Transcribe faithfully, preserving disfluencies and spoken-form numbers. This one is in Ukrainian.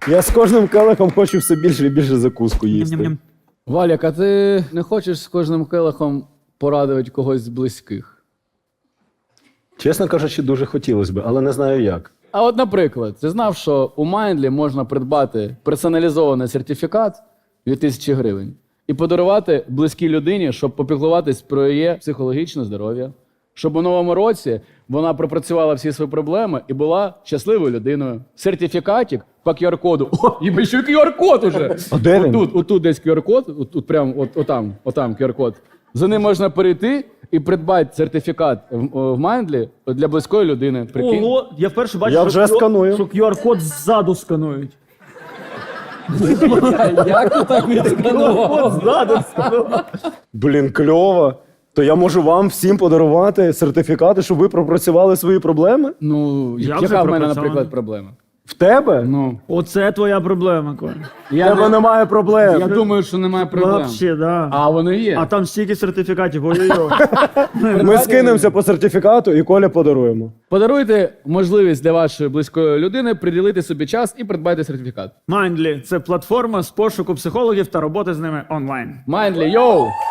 Я з кожним келихом хочу все більше і більше закуску їсти. Ням-ням-ням. Валік, а ти не хочеш з кожним келихом порадувати когось з близьких? Чесно кажучи, дуже хотілося б, але не знаю як. А от, наприклад, ти знав, що у Mindly можна придбати персоналізований сертифікат від тисячі гривень і подарувати близькій людині, щоб попіклуватись про її психологічне здоров'я, щоб у новому році вона пропрацювала всі свої проблеми і була щасливою людиною. Сертифікатик по ку ар-коду. О, їбать, ще й ку ар-код уже! А де він? Отут, отут десь ку ар-код, от, от прям от, отам, отам ку ар-код. За ним можна перейти і придбати сертифікат в, в Mindly для близької людини. Прикинь? Ого, я вперше бачу, Я що вже Q- сканую. що ку ар-код ззаду сканують. Як ти так відсканував? Ззаду сканують. Блін, кльово. То я можу вам всім подарувати сертифікати, щоб ви пропрацювали свої проблеми? Ну, Я яка вже в мене, пропрацьований. наприклад, проблема? В тебе? Ну, Оце твоя проблема, Коля. В я, тебе не, немає проблем. я думаю, що немає проблем. Вообще, да. А вони є. А там стільки сертифікатів, ой-ой-ой. Ми скинемося по сертифікату і Коля подаруємо. Подаруйте можливість для вашої близької людини приділити собі час і придбайте сертифікат. Mindly – це платформа з пошуку психологів та роботи з ними онлайн. Mindly, йоу!